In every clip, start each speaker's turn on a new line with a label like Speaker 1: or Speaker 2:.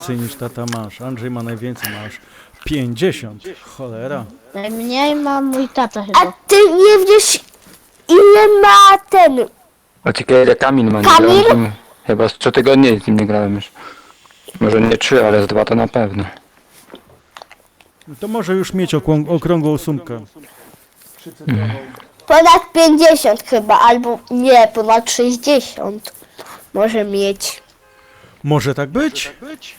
Speaker 1: więcej niż tata masz. Andrzej ma najwięcej, masz 50. Cholera.
Speaker 2: Najmniej ma mój tata
Speaker 3: A
Speaker 2: chyba.
Speaker 3: ty nie wiesz, ile ma ten...
Speaker 4: A ciekawe ile Kamil ma, nie
Speaker 3: Kamil?
Speaker 4: grałem z nim. Chyba z 3 tygodnie z nim nie grałem już. Może nie 3, ale z 2 to na pewno.
Speaker 1: To może już mieć okrągłą sumkę.
Speaker 3: Ponad 50 chyba, albo nie, ponad 60 może mieć.
Speaker 1: Może tak być?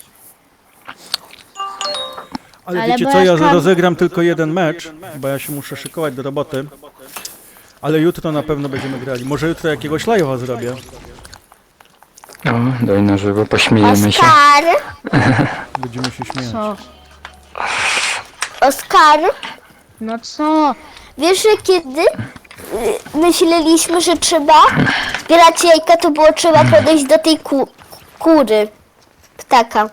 Speaker 1: Ale
Speaker 2: Ale
Speaker 1: wiecie
Speaker 2: bo
Speaker 1: co,
Speaker 2: ja
Speaker 1: ja
Speaker 2: skam-
Speaker 1: rozegram tylko jeden mecz, bo ja się muszę szykować do roboty. Ale jutro na pewno będziemy grali. Może jutro jakiegoś live'a zrobię.
Speaker 4: No, daj na żywo, pośmiejemy się.
Speaker 3: Oskar,
Speaker 1: Będziemy się śmiać.
Speaker 2: Co?
Speaker 3: Oskar,
Speaker 2: No co?
Speaker 3: wiesz, że kiedy myśleliśmy, że trzeba zbierać jajka, to było trzeba podejść do tej kury, ptaka.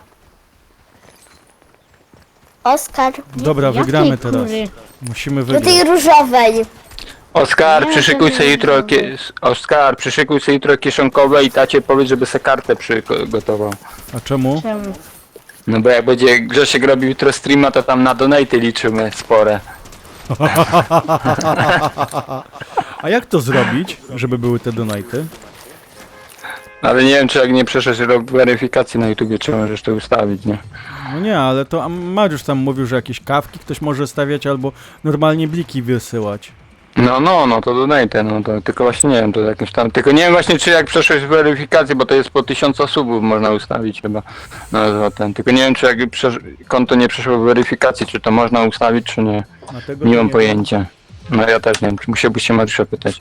Speaker 3: Oskar,
Speaker 1: Dobra,
Speaker 2: Jakiej
Speaker 1: wygramy teraz.
Speaker 2: kury?
Speaker 1: Musimy
Speaker 3: do tej
Speaker 1: wygrać.
Speaker 3: różowej.
Speaker 4: Oskar,
Speaker 2: Nie,
Speaker 4: przyszykuj
Speaker 2: to
Speaker 4: sobie
Speaker 2: nie
Speaker 4: jutro,
Speaker 2: wiem.
Speaker 4: Oskar, przyszykuj sobie jutro kieszonkowe i tacie powiedz, żeby se kartę przygotował.
Speaker 1: A czemu?
Speaker 2: Czemu?
Speaker 4: No bo jak będzie Grzesiek robił jutro streama, to tam na donaty liczymy spore.
Speaker 1: A jak to zrobić, żeby były te donaty?
Speaker 4: Ale nie wiem, czy jak nie przeszedł rok weryfikacji na YouTubie, czy możesz to ustawić, nie?
Speaker 1: No nie, ale to a Mariusz tam mówił, że jakieś kawki ktoś może stawiać albo normalnie bliki wysyłać.
Speaker 4: No, to donate, no to tylko właśnie nie wiem, to jakimś tam, tylko nie wiem właśnie, czy jak przeszłeś weryfikację, bo to jest po 1000 subów można ustawić chyba, no ten, tylko nie wiem, czy jak konto nie przeszło weryfikacji, czy to można ustawić, czy nie,
Speaker 1: A tego
Speaker 4: nie
Speaker 1: to
Speaker 4: mam
Speaker 1: wiem.
Speaker 4: pojęcia. No ja też nie wiem, musiałbyś się Mariusza pytać.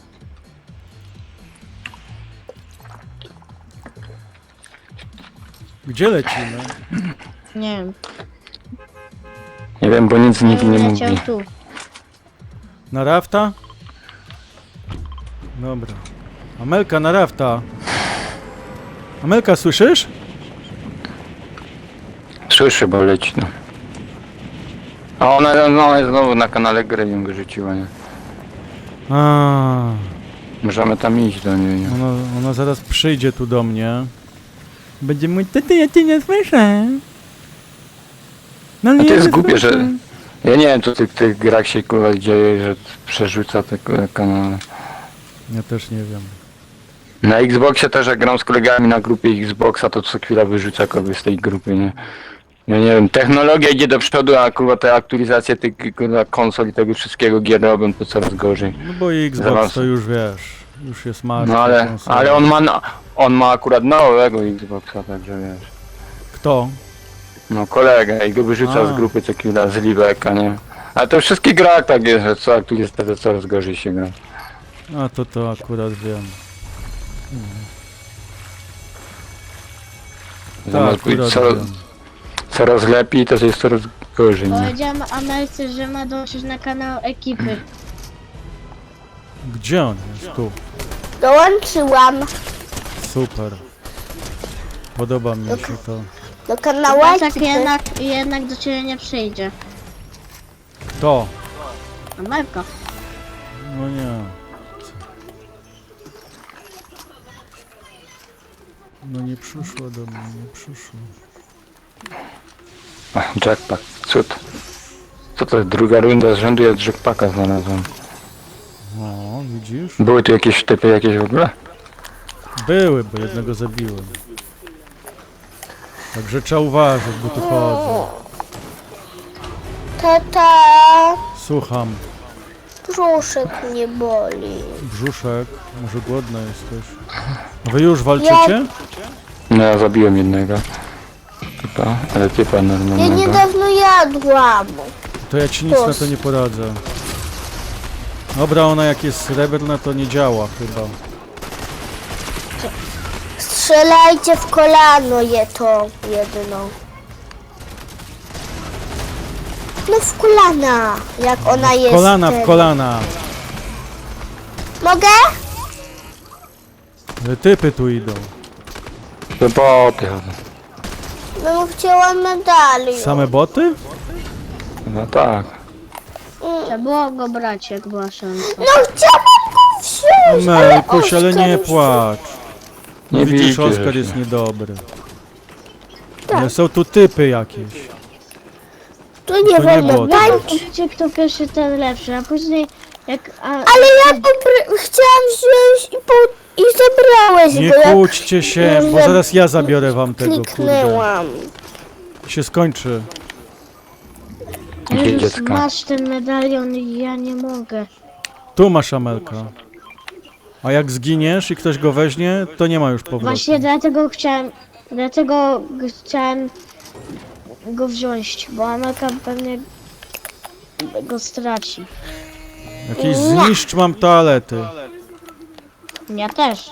Speaker 1: Gdzie lecimy?
Speaker 2: Nie wiem.
Speaker 4: Nie wiem, bo nic nikt nie mówi.
Speaker 2: Leciał tu.
Speaker 1: Na rafta? Dobra. Amelka, na rafta. Amelka, słyszysz?
Speaker 4: Słyszę, bo leci, no. A ona jest znowu na kanale gry ją wyrzuciła, nie?
Speaker 1: A,
Speaker 4: Możemy tam iść do niej, nie?
Speaker 1: ona zaraz przyjdzie tu do mnie. Będzie mój taty, ja cię nie słyszę. No
Speaker 4: A
Speaker 1: nie
Speaker 4: to jest
Speaker 1: nie
Speaker 4: głupie, że...
Speaker 1: słyszę.
Speaker 4: Ja nie wiem, co w tych grach się kurwa dzieje, że przerzuca te kanały.
Speaker 1: Ja też nie wiem.
Speaker 4: Na Xboxie też jak gram z kolegami na grupie Xboxa, to co chwila wyrzuca kogoś z tej grupy, nie? Ja nie wiem, technologia idzie do przodu, a kurwa te aktualizacje tych kurwa konsol i tego wszystkiego gier robią to coraz gorzej.
Speaker 1: No bo i Xbox
Speaker 4: Zaraz.
Speaker 1: to już wiesz, już jest martwy.
Speaker 4: No ale on ma akurat nowego Xboxa, także wiesz.
Speaker 1: Kto?
Speaker 4: No kolega i go wyrzuca
Speaker 1: A.
Speaker 4: z grupy co chwila, z Libeka, nie? Ale to w wszystkich grach tak jest, że co aktualizacja coraz gorzej się gra.
Speaker 1: A to akurat wiem.
Speaker 4: Zamiast
Speaker 1: Tak,
Speaker 4: być
Speaker 1: akurat wiem.
Speaker 4: coraz lepiej, to jest coraz gorzej, nie?
Speaker 2: Powiedziałam Amelce, że ma dołączyć na kanał ekipy.
Speaker 1: Gdzie on jest? Tu.
Speaker 3: Dołączyłam
Speaker 1: Super. Podoba mi się to.
Speaker 3: do kanału.
Speaker 2: A tak jednak do ciebie nie przyjdzie.
Speaker 1: Kto?
Speaker 2: Amelka.
Speaker 1: No nie. No nie przyszło do mnie, nie przyszło.
Speaker 4: Ach, jackpack, cud. Co to jest? Druga runda z rzędu, ja jackpacka znalazłem.
Speaker 1: No, widzisz?
Speaker 4: Były tu jakieś typy jakieś w ogóle?
Speaker 1: Były, bo jednego zabiłem. Także trzeba uważać, bo tu chodzą.
Speaker 3: Tata,
Speaker 1: Słucham.
Speaker 3: brzuszek mnie boli.
Speaker 1: Brzuszek, może głodna jesteś. A wy już walczycie?
Speaker 4: No ja zabiłem jednego. Typa, ale typa
Speaker 3: Ja
Speaker 4: normalnego.
Speaker 3: niedawno jadłam.
Speaker 1: To ja ci nic na to nie poradzę. Dobra, ona jak jest srebrna, to nie działa chyba.
Speaker 3: Strzelajcie w kolano je to jedno. No w kolana, jak ona jest.
Speaker 1: Kolana w kolana.
Speaker 3: Mogę?
Speaker 1: Typy tu idą.
Speaker 4: To boty.
Speaker 3: No chciałam medalion.
Speaker 1: Same boty?
Speaker 4: No tak.
Speaker 2: Trzeba było go brać, jak była szansa.
Speaker 3: No chciałam go wziąć, ale
Speaker 1: Melkuś, ale nie
Speaker 3: Oskar
Speaker 1: płacz.
Speaker 4: Nie
Speaker 1: Widzisz,
Speaker 4: widzisz,
Speaker 1: Oskar
Speaker 4: że-
Speaker 1: jest niedobry.
Speaker 3: Tak.
Speaker 1: Ale są tu typy jakieś.
Speaker 3: Tu nie
Speaker 1: To nie
Speaker 3: wolno
Speaker 1: było
Speaker 3: tańczyć.
Speaker 2: Wiecie, kto pierwszy, ten lepszy, a później jak...
Speaker 3: Ale ja chciałam wziąć i zabrałeś
Speaker 1: Nie
Speaker 3: go, jak
Speaker 1: kłóćcie się, bo zaraz ja zabiorę wam tego, kurde.
Speaker 3: kliknęłam.
Speaker 1: Się skończy.
Speaker 4: Gdzie
Speaker 2: Jezus,
Speaker 4: dziecko?
Speaker 2: masz ten medalion i ja nie mogę.
Speaker 1: Tu masz Amelka. A jak zginiesz i ktoś go weźmie, to nie ma już powrotu.
Speaker 2: Właśnie dlatego chciałem go wziąć, bo Amelka pewnie go straci.
Speaker 1: Jakiś zniszcz mam toalety.
Speaker 2: Ja też.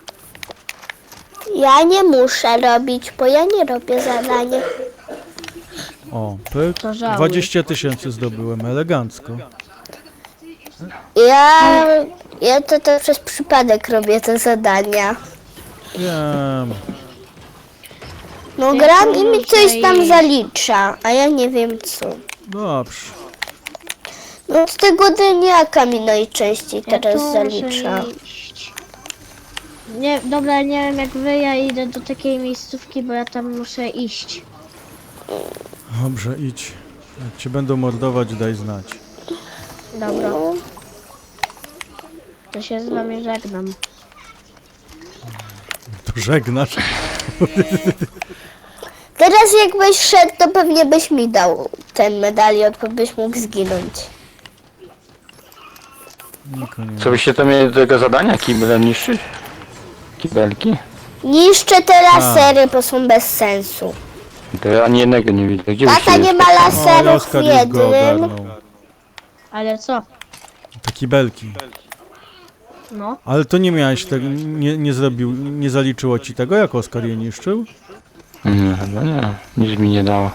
Speaker 3: Ja nie muszę robić, bo ja nie robię zadania.
Speaker 1: O, pyk.
Speaker 2: To żałuj.
Speaker 1: 20 000 zdobyłem, elegancko.
Speaker 3: Ja to przez przypadek robię te zadania.
Speaker 1: Wiem.
Speaker 3: No
Speaker 2: Ja
Speaker 3: gram
Speaker 2: tu
Speaker 3: i mi
Speaker 2: muszę
Speaker 3: coś tam
Speaker 2: iść.
Speaker 3: zalicza, a ja nie wiem co.
Speaker 1: Dobrze.
Speaker 3: No z tego dniaka mi najczęściej
Speaker 2: Ja
Speaker 3: teraz
Speaker 2: tu
Speaker 3: zalicza.
Speaker 2: muszę iść. Nie, dobra, nie wiem jak wy, ja idę do takiej miejscówki, bo ja tam muszę iść.
Speaker 1: Dobrze, idź. Jak cię będą mordować, daj znać.
Speaker 2: Dobra,
Speaker 3: No.
Speaker 2: to się z wami żegnam.
Speaker 1: To żegnasz.
Speaker 3: Teraz jakbyś szedł, to pewnie byś mi dał ten medalion, bo byś mógł zginąć.
Speaker 1: Nikogo nie.
Speaker 4: Co byście to mieli do tego zadania? Kiblem niszczyć? Kibelki?
Speaker 3: Niszczę te lasery, bo są bez sensu.
Speaker 4: To ja ani jednego nie widzę. Gdzie
Speaker 3: Tata
Speaker 4: byście
Speaker 3: nie
Speaker 4: jest?
Speaker 3: ma
Speaker 1: O,
Speaker 3: laserów w
Speaker 1: Oskar już go
Speaker 3: jednym.
Speaker 1: ogarnął.
Speaker 2: Ale co?
Speaker 1: Te kibelki.
Speaker 2: No,
Speaker 1: Ale to nie miałeś tego, nie zrobił, nie zaliczyło ci tego, jak Oskar je niszczył?
Speaker 4: Nie, chyba nie. Nic mi nie dało.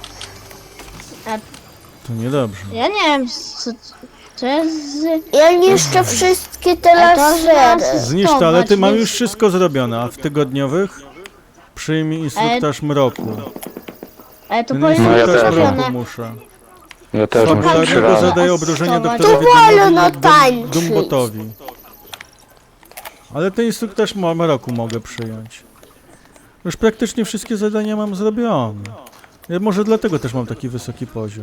Speaker 1: To niedobrze.
Speaker 2: ja nie wiem co to jest
Speaker 3: Ja niszczę wszystkie te
Speaker 2: A to
Speaker 3: lasery.
Speaker 2: zaraz-
Speaker 1: Zniszcz to, ale ty mam
Speaker 2: więc-
Speaker 1: już wszystko zrobione, a w tygodniowych przyjmij instruktaż mroku.
Speaker 2: Ale to
Speaker 1: Ten
Speaker 2: powinno
Speaker 4: No ja
Speaker 2: być
Speaker 4: też.
Speaker 1: instruktaż
Speaker 2: zrobione.
Speaker 1: mroku muszę.
Speaker 4: Ja też muszę 3
Speaker 1: Fabularnego
Speaker 4: razy.
Speaker 1: zadaje obrażenia
Speaker 2: Zobacz.
Speaker 1: doktorowi
Speaker 3: To wolno
Speaker 1: Dumowi i
Speaker 3: tańczyć.
Speaker 1: Dumbotowi. Ale ten instruktaż mroku mogę przyjąć. Już praktycznie wszystkie zadania mam zrobione. Ja może dlatego też mam taki wysoki poziom.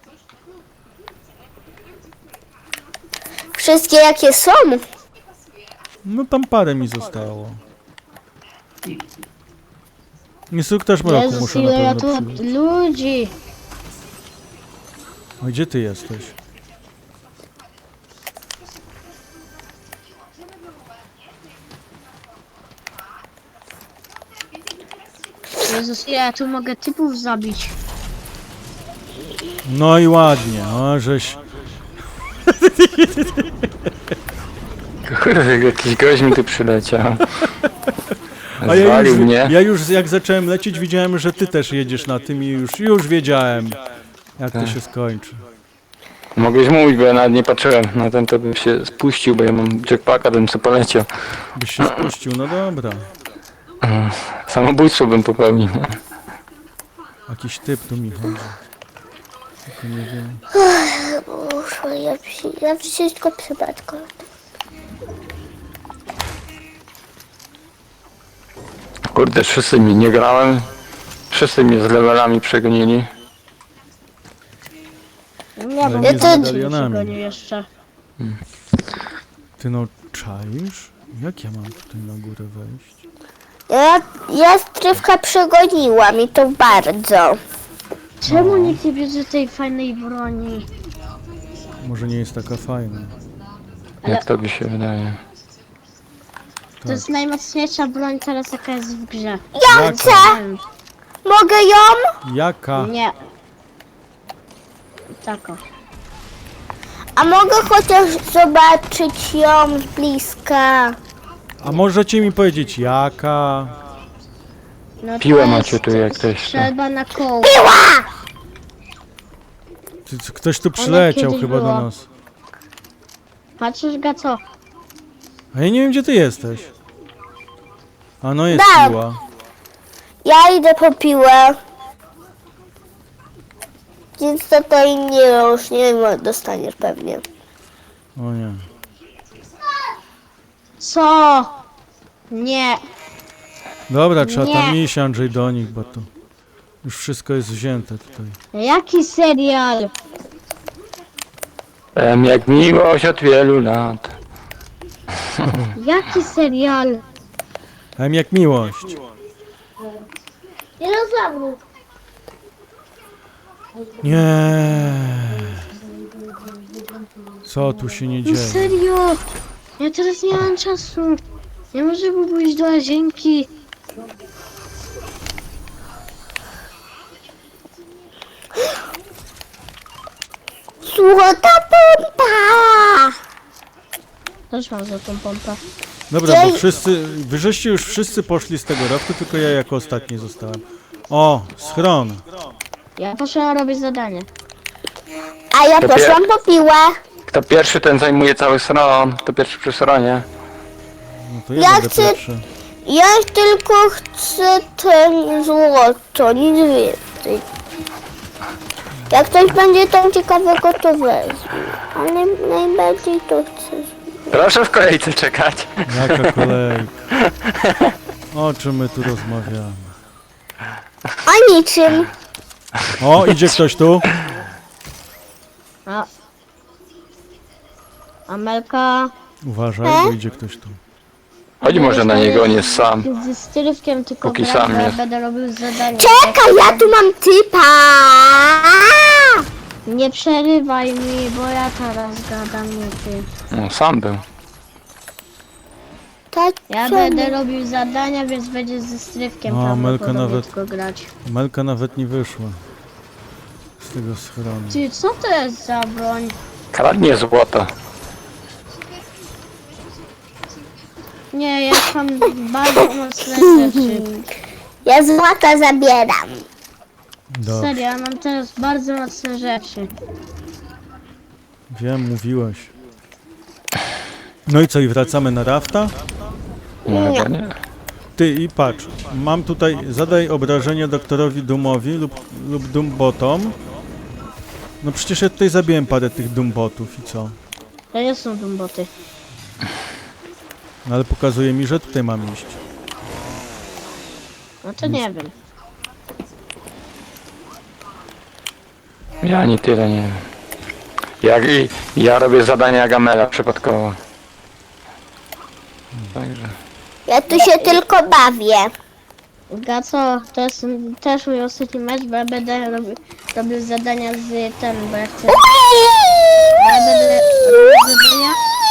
Speaker 3: Wszystkie jakie są.
Speaker 1: No tam parę mi zostało. Instruktaż mroku
Speaker 2: Jezus,
Speaker 1: muszę na
Speaker 2: ile ja
Speaker 1: pewno
Speaker 2: tu
Speaker 1: przyjąć.
Speaker 2: ludzi.
Speaker 1: A gdzie ty jesteś?
Speaker 2: Jezus, ile ja tu mogę typów zabić.
Speaker 1: No i ładnie, o żeś...
Speaker 4: Kurde, jakiś gość mi tu przyleciał.
Speaker 1: A
Speaker 4: Zwalił mnie.
Speaker 1: ja już jak zacząłem lecieć, widziałem, że ty też jedziesz na tym i już wiedziałem, jak to się skończy.
Speaker 4: Mogłeś mówić, bo ja nawet nie patrzyłem na ten, to bym się spuścił, bo ja mam jetpacka, bym sobie poleciał.
Speaker 1: Byś się spuścił, no dobra.
Speaker 4: Samobójstwo bym popełnił.
Speaker 1: Jakiś typ tu mi chodzi. Tylko nie wiem.
Speaker 3: Muszę, ja wszystko przypadkowo.
Speaker 4: Kurde, wszyscy mi nie grałem. Wszyscy mnie z levelami przegonili.
Speaker 2: Nie,
Speaker 1: Ale
Speaker 2: bo
Speaker 1: nie
Speaker 3: z
Speaker 2: ja
Speaker 1: medalionami.
Speaker 2: nie jeszcze.
Speaker 1: Ty no czaisz? Jak ja mam tutaj na górę wejść?
Speaker 3: Ja strywka przegoniłam i to bardzo.
Speaker 2: Czemu nikt nie bierze tej fajnej broni?
Speaker 1: Może nie jest taka fajna.
Speaker 4: Jak to by się wydaje.
Speaker 2: To jest najmocniejsza broń teraz jaka jest w grze.
Speaker 3: Ja chcę! Mogę ją?
Speaker 1: Jaka?
Speaker 2: Nie. Tako.
Speaker 3: A mogę chociaż zobaczyć ją z bliska.
Speaker 1: A możecie mi powiedzieć jaka?
Speaker 2: No
Speaker 4: Piłę
Speaker 2: to
Speaker 4: macie
Speaker 2: jest
Speaker 4: tu jak ktoś chce.
Speaker 2: Strzelba na koło.
Speaker 1: Ktoś tu przyleciał
Speaker 2: kiedyś
Speaker 1: chyba do
Speaker 2: była.
Speaker 1: nas.
Speaker 2: Patrzysz ga co?
Speaker 1: A ja nie wiem gdzie ty jesteś. A no jest
Speaker 3: Tak.
Speaker 1: piła.
Speaker 3: Ja idę po piłę. Więc to i nie już nie dostaniesz pewnie.
Speaker 1: O nie.
Speaker 2: Co? Nie.
Speaker 1: Dobra, trzeba tam
Speaker 2: Nie.
Speaker 1: iść Andrzej do nich, bo to... Już wszystko jest wzięte tutaj.
Speaker 2: Jaki serial?
Speaker 4: Jak miłość od wielu lat.
Speaker 2: Jaki serial?
Speaker 1: Jak miłość.
Speaker 2: Dinozaurów.
Speaker 1: Nie. Co tu się nie
Speaker 2: No
Speaker 1: dzieje?
Speaker 2: serio? Ja teraz nie mam czasu. Nie może pójść do łazienki.
Speaker 3: Złota pompa!
Speaker 2: Też mam za tą pompę.
Speaker 1: Dobra, bo wy żeście już wszyscy poszli z tego raftu, tylko ja jako ostatni zostałem. O, schron.
Speaker 2: Ja poszłam robić zadanie.
Speaker 3: A ja
Speaker 4: To
Speaker 3: poszłam po piłę.
Speaker 4: Kto pierwszy, ten zajmuje cały stron. Kto pierwszy przy stronie.
Speaker 1: No to ja
Speaker 3: Ja
Speaker 1: będę
Speaker 3: chcę-
Speaker 1: pierwszy.
Speaker 3: Ja tylko chcę ten złoto, nic więcej. Jak ktoś będzie tam ciekawego, to wezmę. Ale najbardziej to chcę.
Speaker 4: Proszę w kolejce czekać.
Speaker 1: Jaka kolejka. O czym my tu rozmawiamy?
Speaker 3: O niczym.
Speaker 1: O, idzie ktoś tu?
Speaker 2: Amelka
Speaker 1: Uważaj, bo idzie ktoś tu.
Speaker 4: Chodź może na niego, on jest sam.
Speaker 2: z stylówkiem tylko
Speaker 4: Póki
Speaker 2: grać,
Speaker 4: sam
Speaker 2: bo ja
Speaker 4: jest.
Speaker 2: będę robił zadanie.
Speaker 3: Czekaj, ja tu mam typa.
Speaker 2: Nie przerywaj mi, bo ja teraz gadam, nie ty.
Speaker 4: No, sam był.
Speaker 3: Tak,
Speaker 2: Ja
Speaker 3: co?
Speaker 2: będę robił zadania, więc będzie ze strywkiem
Speaker 1: O, Amelka
Speaker 2: prawdopodobnie
Speaker 1: nawet-
Speaker 2: tylko grać.
Speaker 1: Melka nawet nie wyszła z tego schronu.
Speaker 2: Ty, co to jest za broń?
Speaker 4: Kradnie złoto.
Speaker 2: Nie, ja mam bardzo mocne rzeczy.
Speaker 3: Ja złota zabieram.
Speaker 1: Dobrze,
Speaker 2: Serio, ja mam teraz bardzo mocne rzeczy.
Speaker 1: wiem, mówiłeś. No i co, i wracamy na rafta?
Speaker 4: No, chyba nie.
Speaker 1: Ty i patrz, mam tutaj, zadaj obrażenie doktorowi Doomowi lub Doombotom. No przecież ja tutaj zabiłem parę tych Doombotów i co?
Speaker 2: To nie są dumboty.
Speaker 1: No ale pokazuje mi, że tutaj mam iść.
Speaker 2: No to nie wiem.
Speaker 4: Ja ani tyle nie wiem. Ja robię zadania Gamela przypadkowo. Także.
Speaker 3: Ja tu się tylko bawię.
Speaker 2: Gaco, to jest też mój ostatni mecz, bo ja będę robił zadania z ten, bo ja chcę... Bo ja będę robił zadania,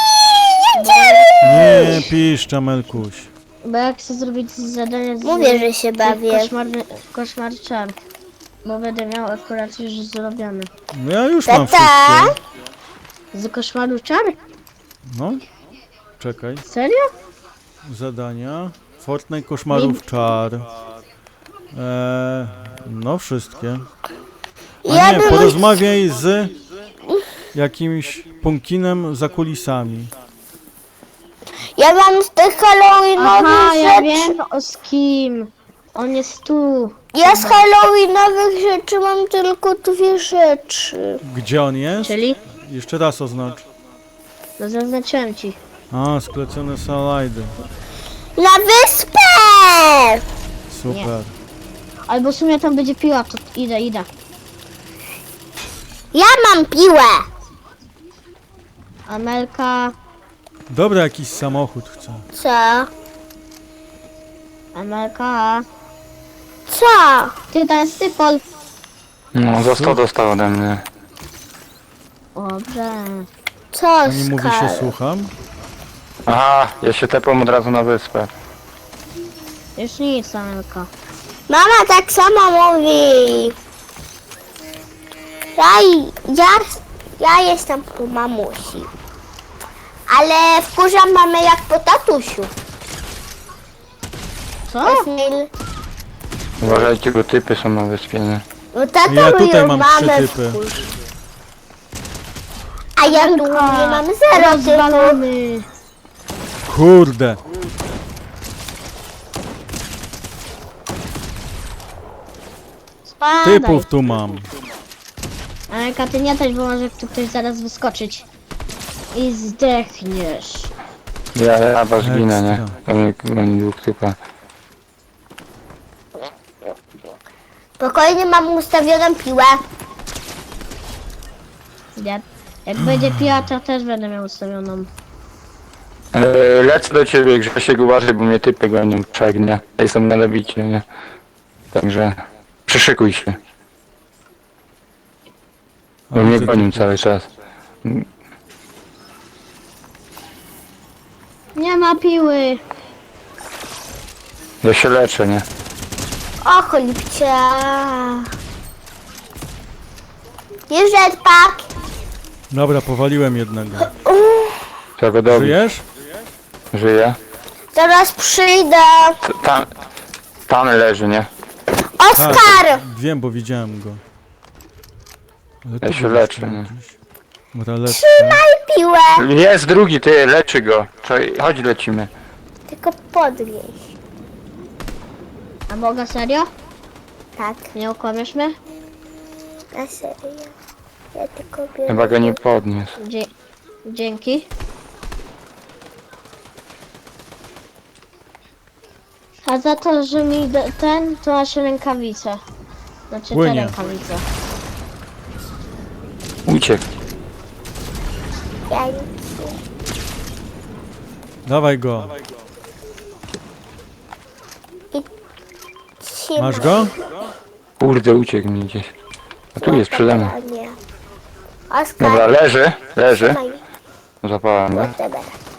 Speaker 1: Nie piszcza, Melkuś.
Speaker 2: bo ja chcę zrobić zadania z...
Speaker 3: Mówię, że się bawię.
Speaker 2: Koszmar czar. Bo będę miał akurat już zrobione.
Speaker 1: No ja już mam
Speaker 3: Tata?
Speaker 1: wszystkie.
Speaker 2: Z koszmaru czar?
Speaker 1: No, czekaj.
Speaker 2: Serio?
Speaker 1: Zadania. Fortnite koszmarów czar. No wszystkie. A
Speaker 3: Ja
Speaker 1: nie,
Speaker 3: bym-
Speaker 1: porozmawiaj z jakimś pumpkinem za kulisami.
Speaker 3: Ja mam z tych halloweenowych
Speaker 2: Aha, ja
Speaker 3: rzeczy.
Speaker 2: wiem z kim. On jest tu.
Speaker 3: Ja z halloweenowych rzeczy mam tylko 2 rzeczy.
Speaker 1: Gdzie on jest?
Speaker 2: Czyli?
Speaker 1: Jeszcze raz oznacz.
Speaker 2: No zaznaczyłem ci.
Speaker 1: A, sklecone salajdy.
Speaker 3: Na wyspę!
Speaker 1: Super.
Speaker 2: Albo w sumie tam będzie piła, to idę.
Speaker 3: Ja mam piłę.
Speaker 2: Amelka,
Speaker 1: Dobra, jakiś samochód chcę.
Speaker 3: Co?
Speaker 2: Amelka.
Speaker 3: Co?
Speaker 2: Ty, tam jest typol.
Speaker 4: No, za 100 dostał ode mnie.
Speaker 2: Dobrze.
Speaker 3: Co,
Speaker 1: Pani mówi się,
Speaker 3: Skal?
Speaker 1: słucham.
Speaker 4: Aha, ja się tepam od razu na wyspę.
Speaker 2: Już nic, Amelka.
Speaker 3: Mama tak samo mówi. Ja jestem po mamusi. Ale wkurzam mamę jak po tatusiu.
Speaker 2: Co?
Speaker 3: Emil,
Speaker 4: Uważajcie, bo typy są na wyspie, nie?
Speaker 3: no tata
Speaker 1: Ja tutaj
Speaker 3: moją
Speaker 1: mam
Speaker 3: mamę
Speaker 1: 3 typy.
Speaker 3: wkurza. A ja tu nie mam 0 typów.
Speaker 2: Rozwalony.
Speaker 1: Kurde.
Speaker 2: Spadaj.
Speaker 1: Typów tu mam.
Speaker 2: Amelka, ty nie też, bo może tu ktoś zaraz wyskoczyć. I zdechniesz.
Speaker 4: Ja was ginę, nie?
Speaker 1: Ekstra.
Speaker 4: To mnie 2 typa.
Speaker 3: Spokojnie, mam ustawioną piłę.
Speaker 2: Jak będzie piła, to też będę miał ustawioną.
Speaker 4: Lecę do ciebie, Grzesiek, uważaj, bo mnie typy gonią przegnie. Tutaj są na lewicie, nie? Także przyszykuj się,
Speaker 1: A
Speaker 4: bo mnie
Speaker 1: widzę
Speaker 4: gonią
Speaker 1: tu.
Speaker 4: cały czas.
Speaker 2: Nie ma piły.
Speaker 4: Ja się leczę, nie?
Speaker 3: O, cholipcia. Jest jetpack.
Speaker 1: Dobra, powaliłem jednego.
Speaker 4: Trzeba go dobić.
Speaker 1: Żyjesz?
Speaker 4: Żyje.
Speaker 3: Zaraz przyjdę.
Speaker 4: Tam leży, nie?
Speaker 3: Oskar!
Speaker 1: Wiem, bo widziałem go. Ale
Speaker 4: Ja
Speaker 1: tu
Speaker 4: się
Speaker 1: był
Speaker 4: leczę,
Speaker 1: jeszcze
Speaker 4: nie?
Speaker 1: jakiś. Dobra, lecę.
Speaker 3: Trzymaj piłę.
Speaker 4: Jest drugi, ty, leczy go. Chodź, lecimy.
Speaker 3: Tylko podwieź.
Speaker 2: A mogę serio?
Speaker 3: Tak,
Speaker 2: Nie okłamiesz mnie?
Speaker 3: na serio. Ja tylko biorę.
Speaker 4: Chyba go nie podniósł.
Speaker 2: Dzięki. A za to, że mi to masz rękawice. Znaczy te
Speaker 1: Płynie.
Speaker 2: rękawice.
Speaker 4: Uciekł.
Speaker 3: Ja nic.
Speaker 1: Dawaj go.
Speaker 3: Trzymaj.
Speaker 1: Masz go?
Speaker 4: Kurde, uciekł mi gdzieś. A tu jest przede mną.
Speaker 3: A nie. Oskar,
Speaker 4: Dobra, leży.
Speaker 3: trzymaj.
Speaker 4: Zapałem go.
Speaker 3: Whatever.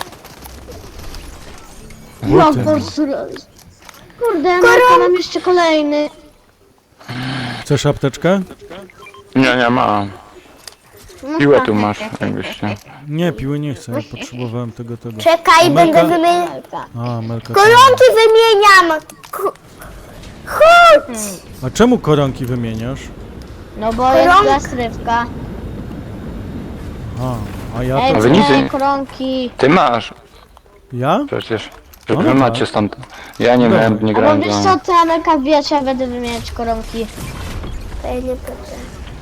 Speaker 2: No
Speaker 1: Buty.
Speaker 2: po prostu... Kurde, no mam jeszcze kolejny.
Speaker 1: Chcesz apteczkę?
Speaker 4: Nie, mam. Piłę tu masz, jakbyś chciał.
Speaker 1: Nie, piły nie chcę. Ja potrzebowałem tego.
Speaker 3: Czekaj,
Speaker 1: Amelka?
Speaker 3: będę wymieniał.
Speaker 1: A, Melka.
Speaker 3: Koronki wymieniam! Chodź!
Speaker 1: A czemu koronki wymieniasz?
Speaker 2: No bo jest
Speaker 3: Koronka.
Speaker 2: zastrywka.
Speaker 1: A ja
Speaker 2: Ej,
Speaker 1: to...
Speaker 4: wy nic
Speaker 2: te
Speaker 4: nie-
Speaker 2: koronki.
Speaker 4: Ty masz
Speaker 1: Ja?
Speaker 4: przecież.
Speaker 1: No
Speaker 4: Wy
Speaker 1: tak.
Speaker 4: macie stąd. Ja nie
Speaker 1: Dobra.
Speaker 4: miałem, nie
Speaker 2: A bo
Speaker 4: grałem
Speaker 2: wiesz
Speaker 4: z
Speaker 2: co,
Speaker 4: wami.
Speaker 2: ty Amelka wbijać, ja będę wymieniać koronki.
Speaker 3: To ja nie potrzeba.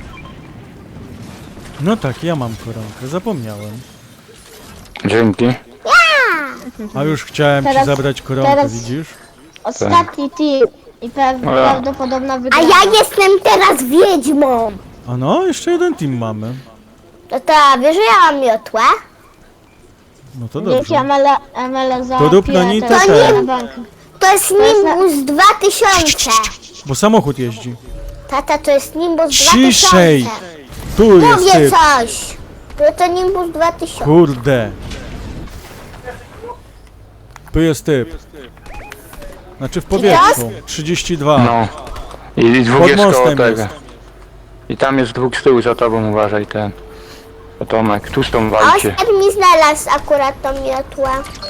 Speaker 1: No tak, ja mam koronkę. Zapomniałem.
Speaker 4: Dzięki.
Speaker 1: A już chciałem ci
Speaker 2: Teraz-
Speaker 1: zabrać koronkę,
Speaker 2: teraz-
Speaker 1: widzisz?
Speaker 2: Ostatni team. I prawdopodobna
Speaker 3: A
Speaker 2: wygrana.
Speaker 3: ja jestem teraz wiedźmą!
Speaker 1: A no, jeszcze jeden team mamy.
Speaker 3: No to wiesz, że ja mam miotłę?
Speaker 1: No to
Speaker 2: Dzięki
Speaker 1: dobrze.
Speaker 2: Amela za
Speaker 1: To rób na
Speaker 2: piłę,
Speaker 1: nitę
Speaker 2: teraz
Speaker 1: ten.
Speaker 2: na bank.
Speaker 3: To jest Nimbus 2000!
Speaker 1: Bo samochód jeździ.
Speaker 3: Tata, to jest Nimbus 2000!
Speaker 1: Ciszej! Tu jest
Speaker 3: Mówię
Speaker 1: typ.
Speaker 3: coś! To Nimbus 2000.
Speaker 1: Kurde. Tu jest typ. Znaczy w powietrzu. 32.
Speaker 4: No. I dwóch
Speaker 1: Pod
Speaker 4: jest koło
Speaker 1: mostem
Speaker 4: tego.
Speaker 1: jest.
Speaker 4: I tam jest dwóch z tyłu za tobą, uważaj ten. To Tomek, tu z tą walcie.
Speaker 3: Oskar mi znalazł akurat tą miotłę.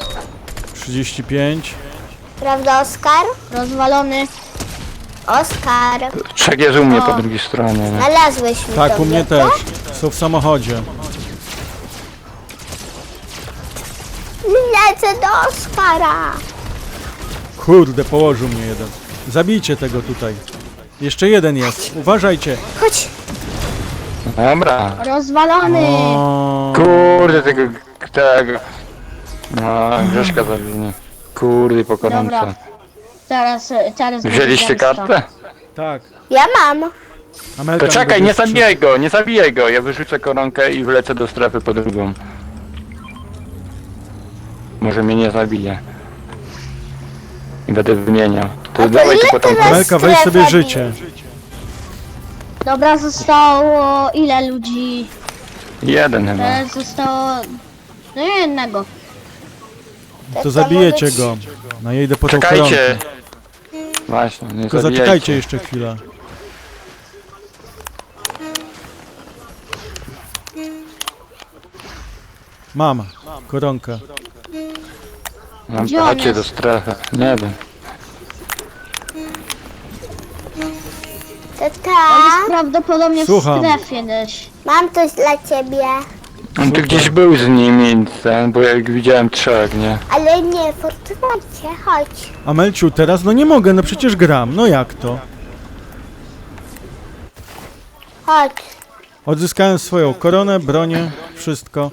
Speaker 1: 35.
Speaker 3: Prawda, Oskar?
Speaker 2: Rozwalony.
Speaker 3: Oskar,
Speaker 4: Trzech jest u mnie po drugiej stronie, nie?
Speaker 3: znalazłeś mi
Speaker 1: Tak,
Speaker 3: tą
Speaker 1: u mnie
Speaker 3: miotłę?
Speaker 1: też. Są w samochodzie.
Speaker 3: Lecę do Oskara!
Speaker 1: Kurde, położył mnie jeden. Zabijcie tego tutaj. Jeszcze jeden jest. Uważajcie.
Speaker 3: Chodź!
Speaker 4: Dobra.
Speaker 2: Rozwalony.
Speaker 1: O,
Speaker 4: Kurde, tego... No, Grześka zabił. Kurde, po
Speaker 2: Dobra.
Speaker 4: koronce.
Speaker 2: Teraz
Speaker 4: Wzięliście
Speaker 2: będzie zemsta.
Speaker 4: kartę?
Speaker 1: tak.
Speaker 3: Ja mam.
Speaker 1: Amelka
Speaker 4: To czekaj,
Speaker 1: będzie
Speaker 4: nie
Speaker 1: strzel-
Speaker 4: zabijaj go, nie zabijaj go. Ja wyrzucę koronkę i wlecę do strefy po drugą. Może mnie nie zabije. I będę wymieniał. To
Speaker 3: to
Speaker 4: dawaj tu
Speaker 3: ile
Speaker 4: potem.
Speaker 3: teraz-
Speaker 1: Amelka, weź sobie
Speaker 3: Strefa
Speaker 1: życie.
Speaker 2: Dobra, zostało ile ludzi?
Speaker 4: Jeden chyba.
Speaker 2: Teraz zostało... No jednego.
Speaker 1: To zabijecie go. No ja idę po tą koronkę.
Speaker 4: Czekajcie! Właśnie, nie
Speaker 1: Tylko
Speaker 4: zabijajcie.
Speaker 1: zaczekajcie jeszcze chwilę. Mam koronkę.
Speaker 2: Gdzie on
Speaker 4: Chodźcie
Speaker 2: jest?
Speaker 4: do strefy. Nie wiem.
Speaker 2: On jest
Speaker 3: Tata,
Speaker 2: prawdopodobnie w
Speaker 1: Słucham.
Speaker 2: strefie gdzieś.
Speaker 3: mam coś dla ciebie.
Speaker 4: On tu gdzieś był z nimi, ten, bo jak widziałem trzech, nie?
Speaker 3: Ale nie, poczekajcie, chodź.
Speaker 1: Amelciu, teraz no nie mogę, no przecież gram. No jak to?
Speaker 3: Chodź.
Speaker 1: Odzyskałem swoją koronę, bronię, wszystko.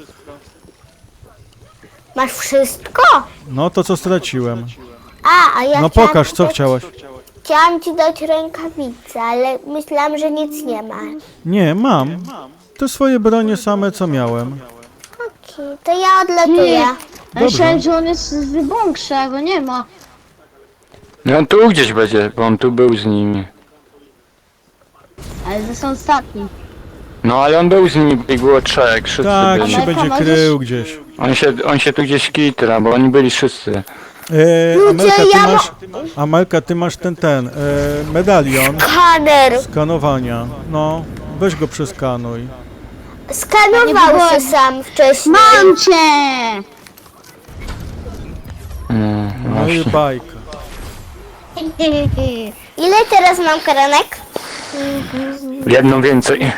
Speaker 3: Masz wszystko?
Speaker 1: No to co straciłem.
Speaker 3: A ja
Speaker 1: No
Speaker 3: chciałam
Speaker 1: pokaż, co
Speaker 3: tylko
Speaker 1: chciałaś.
Speaker 3: Chciałam ci dać rękawice, ale myślałam, że nic nie ma.
Speaker 1: Nie, mam. Te swoje bronie same, co miałem.
Speaker 3: Okej, to ja odlatuję.
Speaker 2: Ja myślałem, że on jest z Wybąkrzy, a go nie ma.
Speaker 4: No on tu gdzieś będzie, bo on tu był z nimi.
Speaker 2: Ale to są ostatni.
Speaker 4: No ale on był z nimi, ich było trzech, wszyscy
Speaker 1: Tak,
Speaker 4: byli.
Speaker 1: się
Speaker 2: Amelka,
Speaker 1: będzie
Speaker 2: możesz-
Speaker 1: krył gdzieś.
Speaker 4: On się tu gdzieś kitra, bo oni byli wszyscy.
Speaker 1: Amelka, ty
Speaker 3: ja
Speaker 1: masz... Amelka, ty masz ten, medalion
Speaker 3: Kaner.
Speaker 1: skanowania. No, weź go przeskanuj.
Speaker 3: Skanował się sam wcześniej.
Speaker 2: Mam cię!
Speaker 1: No i bajka.
Speaker 3: Ile teraz mam karanek?
Speaker 4: Jedną więcej.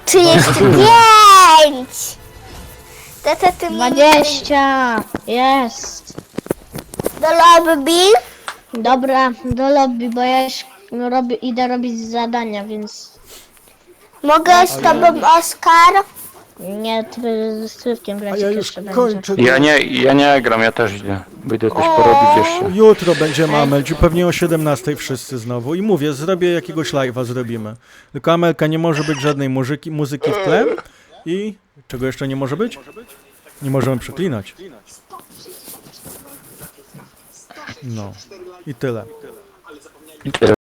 Speaker 3: 35! Tata, ty mi
Speaker 2: 20! Jest!
Speaker 3: do lobby?
Speaker 2: Dobra, do lobby, bo ja już idę robić zadania, więc
Speaker 3: Mogę z tobą, Oskar?
Speaker 2: nie, ty z Sływkiem
Speaker 1: A
Speaker 2: grać
Speaker 1: ja już
Speaker 2: jeszcze będzie.
Speaker 1: kończę.
Speaker 4: Ja nie gram, ja też idę. Będę coś porobić jeszcze.
Speaker 1: Jutro będziemy, Amelciu, pewnie o 17 wszyscy znowu. I mówię, zrobię jakiegoś live'a, zrobimy. Tylko Amelka, nie może być żadnej muzyki w tle. I czego jeszcze nie może być? Nie możemy przeklinać. No. I tyle.
Speaker 4: I tyle.